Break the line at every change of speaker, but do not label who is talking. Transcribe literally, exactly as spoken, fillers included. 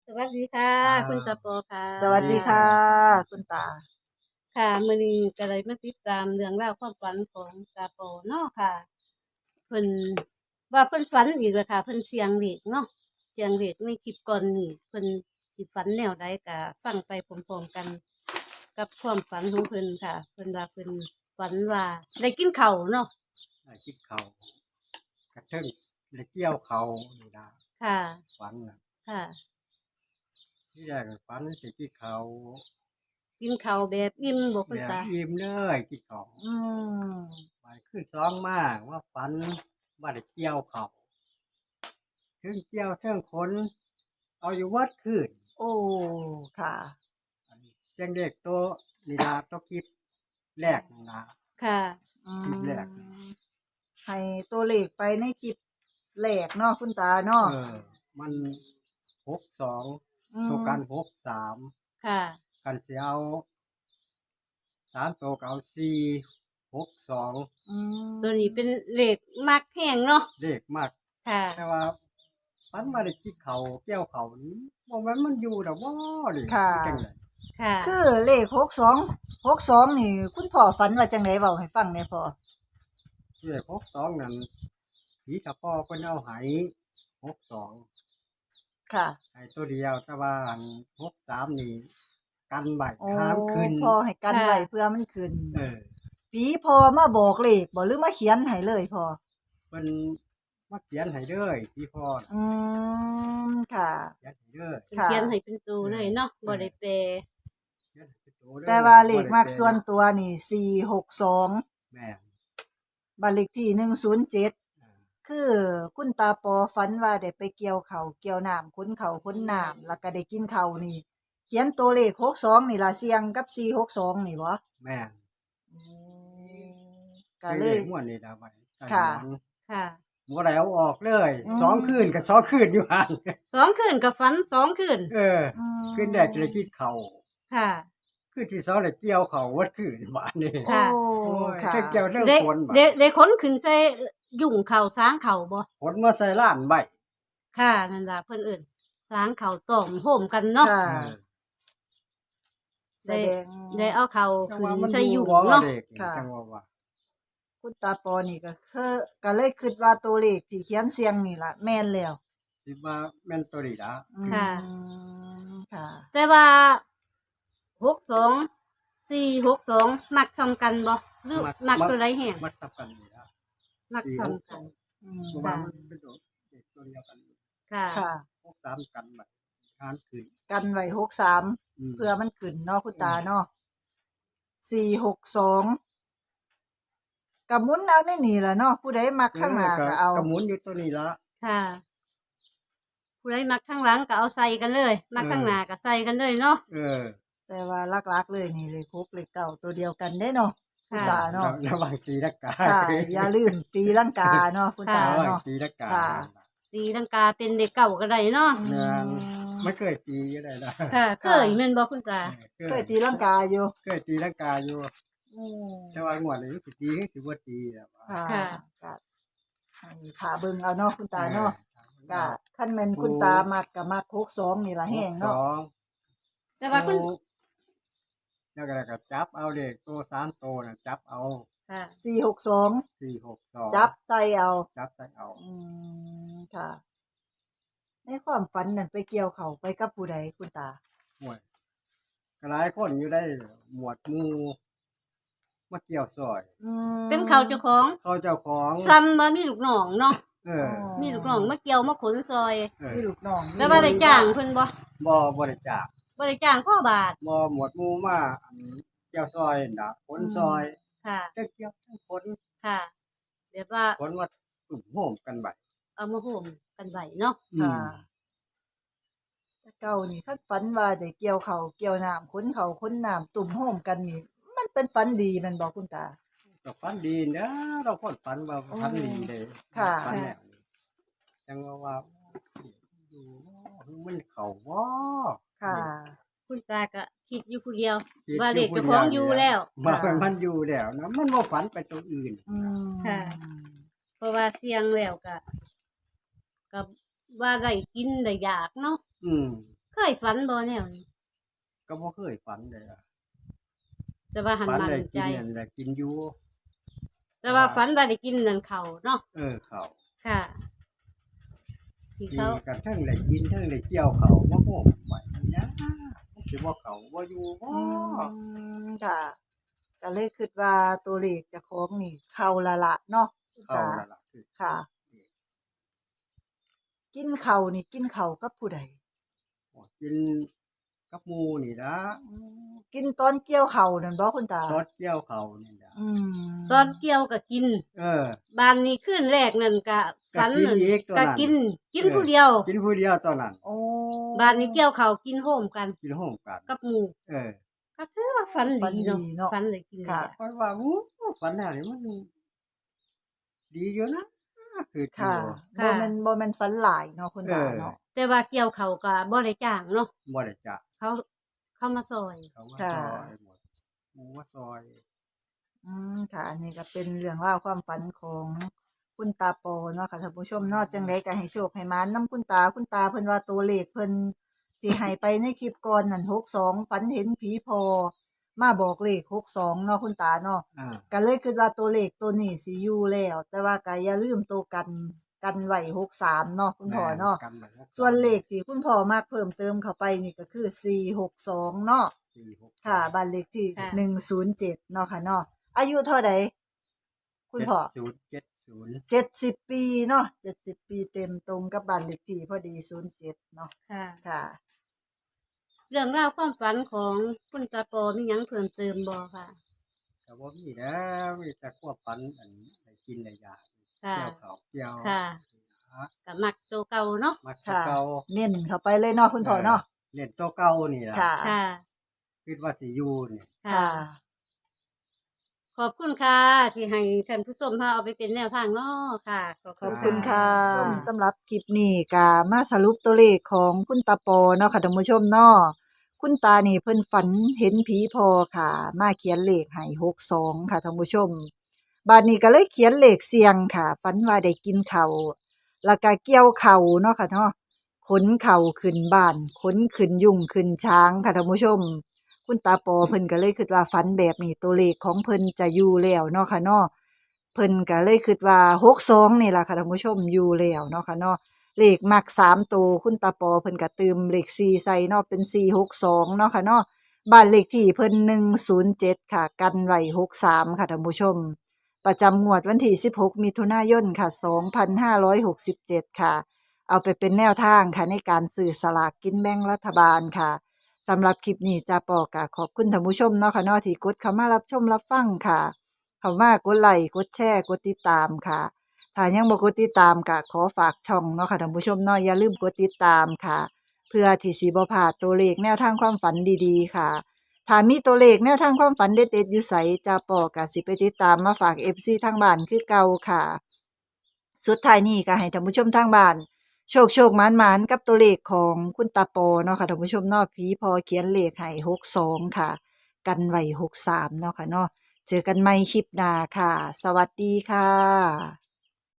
สวัสดีค่ะ
อ่
คุณตา
า
โปค่ะ
สวัสดีค่ะคุณตา
ค่ะมื้อนี้ก็เลยมาติดตามเรื่องราวความฝันของตาโปเนาะค่ะเพิ่นว่าเพิ่นฝันอีกแล้วค่ะเพิ่นเสียงเลขเนาะเสียงเลขในคลิปก่อนนี้เพิ่นสิฝันแนวใดก็ฟังไปพร้อมๆกันกับความฝันของเพิ่นค่ะเพิ่นว่าเพิ่นฝันว่าได้กินข้าวเนาะ
ได้คิดเขากระเทิงได้เกี่ยวเขานี่นะ
ค่ะ
ฝันนะ
ค่ะ
ที่แรกก็ฝันสิกินเขา
กินข้าวแบบอิ่มบ่คุ
แบบ
ณตา
อิ่มเลยกินเขา
อืม
ไปขึ้นสองมากว่าฝันว่าได้เกี่ยวเขาเทิงเกี่ยวเทิงขนเอาอยู่วัดคืน
โอ้ค่ะ
อันนี้เสียงเด็กโตวนี่ละโตัวคลิปแรกนี่นะ
ค่ะ
อื
คลิปแรก
มให้ตัวเลขไปในคลิปแรกเนาะคุณตาเนาะ
เออ มันหกสอง
อืม
ตัวกันหกสาม
ค่ะ
กันเสียเอาสามตัวก็เอาสี่หกสอง
อืม
ตัวนี้เป็นเลขมักแห้งเนาะ
เด็กมาก
ค่ะ
แต่ว่าปันมาได้กินเขาเกี่ยวเขานี่บ่แม่นมันอยู่ดอกบ่นี่
ค่ะ
จังได๋
ค่ะ
คือเลขหกสองหกสองนี่ คุณพ่อฝันว่าจังไดเว้าให้ฟังแหน่พ่อ
เลขหกสองนั่นผีตะปอเพิ่นเอาให้หกสอง
ค่ะ
ให้ตัวเดียวแต่ว่าอันหกสามนี่กันไว้
โอ้
ห้ามขึ้น
พ่อให้กัน
ค่ะ
ไว้เพื่อมันขึ้น
เออ
ผีพ่อมาบอกเลขบ่หรือมาเขียนให้เลยพ่อ
เพิ่นมาเขียนให้เด้อพี่พ่อน่ะ
อืมค่ะ
เขียนให้เด้อ
เป็นเขียนให้เป็นตัวเลยเนาะบ่ได้แปล
เขียนให้เป็นตัวเด้อ
แต่ว่าเลข
บ่ได้
มัก
แปล
ส่วนตัวนี่สี่หกสอง
แม่น
บ้านเลขที่หนึ่งศูนย์เจ็ด
อ่า
คือคุณตาปอฝันว่าได้ไปเกี่ยวเขาวเกี่ยวน้ำค้นเขาวค้นน้ำแล้วก็ได้กินเขาวนี่ เขียนตัวเลขหกสองนี่ล่ะเสียงกับสี่หกสองนี่บ่
แม่น
อืมก็เล
ซื้อย ขม่วนนี่ล่ะบัดนี้ใส่
ค่ะ
หมอน
ค่ะ
บ่ได้เอาออกเลย
อืม
สองคืนก็สองคืนอยู่หั่น
สองคืนกับฝันสองคืน
เออ
อืม
คืนแรกก็เลยกินข้าว
ค่ะ
คืนที่สองเลยเกี่ยวข้าววัดคืนบาดนี้
ค่ะ
โอ้
โอ้ย
ค่ะ
เทิงเกี่ยวเทิง
ได้
ฝนบาด
ได้ได้ขนขึ้นใส่ยุ่งเข่าสางเข่าบ่
ฝนมาใส่ล้านใบ
ค่ะนั่นล่ะเพิ่นเอิ้นสางเข่าต้มโฮมกันเนาะ
ค่ะ
เออ
แสดง
ได้เอาเข่า
จัง
ขึ้
ว่าน มัน
ใส่
อ
ยุ่
ยู่
ง
บ่
เนาะ
เด็กนี่
ค่ะ
จังว่าว่า
คุณตาปอนี่ก็คือก็เลยคิดว่าตัวเลขที่เขียนเสียงนี่ล่ะแม่นแล้ว
สิว่าแม่นตัวนี้ล่ะ
อืม
ค่ะ
ค่ะ
แต่ว่าหกสอง สี่หกสองมักซ้ำกันบ่หรือมักตัวใดแห้ง
มักทับกันนี่ล่ะ
มัก
สี่
ซ้ำ
หกส
กั
อน ง
อืม
เพราะว่ามันเป็นตัวเด็กตัวเดียวกัน
ค่ะ
ค่ะ
พวกสามกันบัดทานคืน
กันไว้หกสาม
ม
เพื่อมันขึ้นเนาะคุณตาเนาะสี่หกสองกับมุนเอาในนี่แหละเนาะผู้ใดมักข้างหน้าก็เอา
กระหมุนอยู่ตัวนี้ละ
ค่ะผู้ใดมักข้างหลังก็เอาใส่กันเลย มักข้างหน้าก็ใส่กันเลยเนาะ
เออ
แต่ว่าลักๆเลยนี่เลยครบเลยเก่าตัวเดียวกันได้เนาะคุณ
ค่ะ
ตาเนาะ
ระหว่างตีลักกา
ค่ะ อย่าลืมตีลังกาเนาะคุณตา
ระหว่าง
เนาะ
ตีลักกา
ค่ะ
ตีลังกาเป็นเด็กเก่าก็ได้เนาะ
อื
งาน
ม
ไม่เคยตีก็ได้นะ
ค่ะเคยแม่นบ่คุณตา
เคยตีลังกาอยู่
เคยตีลักกาอยู่
อืม
แต่ว่างวดนี้สิตีสิบ่ตีแล้ว
ค่ะ
ค่ะ
ก็ให้ขาเบิ่งเอาเนาะคุณตาเนาะ
เอ
ก็
อ
คันแม่นคุณตามักก็มักหกสองนี่ล่ะแห้ง
ส
เนาะ
อง
แต่ว่าคุณ
แล้วก็แล้วก็จับเอาเด็กตัวสามตัวน่ะจับเอา
ค่ะ
สี่หกสอง
สี่หกสอง
จับใส่เอา
จับใส่เอา
อืมค่ะ ในความฝันนั่นไปเกี่ยวเขาไปกับผู้ใดคุณตา
ห่วยก็หลายคนอยู่ได้หมวดหมู่มาเกี่ยวซอย
อืม
เป็นเขาเจ้าของ
เขาเจ้าของ
ซ้ำบ่มีลูกน้องเนาะ
เออ
มีลูกน้องมาเกี่ยวมาขนซอย
เออ
มีลูกน้อง
แต่ว่าได้จ้างเพิ่นบ่
บ่บริจาค
บ่ได้จ้างพ่อบาท
บ่หมวดหมู่มาอันเกี่ยวซอยน่ะขนซอย
ค่ะ
ทั้งเกี่ยวทั้งขน
ค่ะแบบว่า
ขนมาตุ่มโฮมกันไว้
เอามาโฮมกันไว้เนาะ
อื
ค่ะ
ม
แต่เก่านี่คันฝันว่าได้เกี่ยวเขาเกี่ยวน้ำค้นเขาค้นน้ำตุ่มโฮมกันนี่ มันเป็นฝันดีแมันบอกคุณตา
ก็ฝันดีนะเราคนฝันว่าฝันดีเลย
ค่ะ
ฝันแล้วนี่จังว่าว่าอยู่มันเข้าบ่
ค่ะ
คุณตาก็คิดอยู่ผู้เดียว
คิด
ว่าเด็ก
ผู้
เจ้าของอยู่แล้ว
ว่า
ค่ะ
มันอยู่แล้วนะมันบ่ฝันไปตรงอื่น
อืม
ค่ะ เพราะว่าเสียงแล้วก็ก็ว่าได้กินได้อยากเนาะ
อืม
เคยฝันบ่แนวนี้
ก็บ่เคยฝันเลยอะ
แต่ว่าหัน
ฝัน
มัน
ได้
ใจ
กินนั่นแหละกินอยู่
แต่ว่าฝันว่าได้กินนั่นเขาเนาะ
เออเขา
ค่ะที่
กิน
เขา
กันเทั้งได้กินเทั้งได้เกี่ยวเขาบ่โหมไปนะมันสิบ่เขาบ่อยู่บ่
อืมค่ะ ก็เลยคิดว่าตัวเลขเจ้าของนี่เข้าและละเนาะคุณ
เขา
ตา
นั่นล่ะคือ
ค่ะ กินข้าวนี่กินข้าวกับผู้ใด
กินกับหมู่นี่ล่ะ
อืมกินตอนเกี่ยวข้าวนั่นบ่คุณตา
ซอสเกี่ยวเขานี่ล่ะ
อืม
ตอนเกี่ยวก็กิน
เออ
บ้านนี้คืนแรกนั่นก็ฝัน
ก็กินอีกตัวนั้
ก็
น
กิน กิน
เออ
ผู้เดียว
กินผู้เดียวตอนนั้น
โอ้
บ้านนี้เกี่ยวเขาวกินโฮมกัน
กินร่วมกัน
กับหมู่
เออ
ก็ถือว่าฝัน
ฝัน
ดี
ดี
เนาะ
เนาะ
ฝันเลยกิน
ค่ะ
เพราะว่าอู้ฝันแล้วนี่มันดีอยู่นะคือ
ค่ะ
อยู่
บ่แม่นบ่แม่นฝันหลายเนาะคุณตา
เออ
เนาะ
แต่ว่าเกี่ยวเขาวก็บ่ได้จ้างเนาะ
บ่ได้จัก
เขาเขามาซอย
เขาว่า
ค่ะ
ซอยหมดหมูว่าซอย
อืมค่ะ อันนี้ก็เป็นเรื่องราวความฝันของคุณตาโปเนาะค่ะท่านผู้ชมเนาะจังไดก็ให้โชคให้หมานนํคุณตาคุณตาเพิ่นว่าตัวเลขเพิ่นที่ให้ไปในคลิปก่อนนั่นหกสองฝันเห็นผีพอมาบอกเลขหกสองเนาะคุณตาเนาะ
อ่า
ก็เลยคิดว่าตัวเลขตัวนี้สิอยู่แล้ว แต่ว่าก็อย่าลืมตัวกันกันไว้หกสามเนาะคุณพ่อเนาะ
แม่กันแบบ
ส่วนเลขที่คุณพ่อมากเพิ่มเติมเข้าไปนี่ก็คือสี่หกสองเนาะ
สี่หก
ค่ะบ้านเลขที่
ค่ะ
หนึ่งศูนย์เจ็ดเนาะค่ะเนาะอายุเท่าใดคุณพ่อ
ศูนย์เจ็ดศูนย์
เจ็ดสิบปีเนาะเจ็ดสิบปีเต็มตรงกับบ้านเลขที่พอดีศูนย์เจ็ดเนาะ
ค่ะ
ค่ะ
เรื่องราวความฝันของคุณตาโปมีหยังเพิ่มเติมบ่ค่ะ
แต่ว่ามีแล้วมีแต่ควบฝันอันได้กินได้ยา
ค่ะ
เกี่ยวเขาเกี่ยว
ค่ะ ก็มักตัวเก่าเนาะ
มัก
ค่ะ
เก่า
เน้นเข้าไปเลยเนาะคุณพ่อเนาะ
เล่นตัวเก่านี่ล่ะ
ค่ะ
ค่ะ
คิดว่าสิอยู่นี่
ค่ะ
ค่ะ
ขอบคุณค่ะ ที่ให้ท่านผู้ชมพาเอาไปเป็นแนวทางเนาะค่ะ
ขอบคุณค่ะ
ค่ะ
สำหรับคลิปนี้ก็มาสรุปตัวเลขของคุณตาปอเนาะค่ะท่านผู้ชมเนาะคุณตานี่เพิ่นฝันเห็นผีพอค่ะ มาเขียนเลขให้หกสองค่ะท่านผู้ชมบาดนี้ก็เลยเขียนเลขเสียงค่ะฝันว่าได้กินข้าวแล้วก็เกี่ยวข้าวเนาะค่ะเนาะขนข้าวขึ้นบ้านขนขึ้นยุงขึ้นช้างค่ะท่านผู้ชม คุณตาปอเพิ่นก็เลยคิดว่าฝันแบบนี้ตัวเลขของเพิ่นจะอยู่แล้วเนาะค่ะเนาะ เพิ่นก็เลยคิดว่าหกสองนี่ล่ะค่ะท่านผู้ชมอยู่แล้วเนาะค่ะเนาะเลขมักสามตัวคุณตาปอเพิ่นก็เติมเลขสี่ใส่เนาะเป็นสี่หกสองเนาะค่ะเนาะบ้านเลขที่เพิ่นหนึ่งศูนย์เจ็ดค่ะกันไว้หกสามค่ะท่านผู้ชม ประจำงวดวันที่สิบหกมิถุนายนค่ะสองพันห้าร้อยหกสิบเจ็ดค่ะ เอาไปเป็นแนวทางค่ะในการซื้อสลากกินแบ่งรัฐบาลค่ะสำหรับคลิปนี้จ้าปอก็ขอบคุณท่านผู้ชมเนาะค่ะเนาะที่กดเข้ามารับชมรับฟังค่ะ เข้ามากดไลค์กดแชร์กดติดตามค่ะ ถ้ายังบ่กดติดตามก็ขอฝากช่องเนาะค่ะท่านผู้ชมเนาะอย่าลืมกดติดตามค่ะ เพื่อที่สิบ่พลาดตัวเลขแนวทางความฝันดีๆค่ะ ถ้ามีตัวเลขแนวทางความฝันเด็ดๆอยู่ไสจะปอก็สิไปติดตามมาฝาก เอฟ ซี ทางบ้านคือเก่าค่ะ สุดท้ายนี้ก็ให้ท่านผู้ชมทางบ้านโชคโชคหมานหมานกับตัวเลขของคุณตาปอเนาะค่ะท่านผู้ชมเนาะผีพอเขียนเลขให้หกสองค่ะ กันไว้หกสามเนาะค่ะเนาะ เจอกันใหม่คลิปหน้าค่ะ สวัสดีค่ะ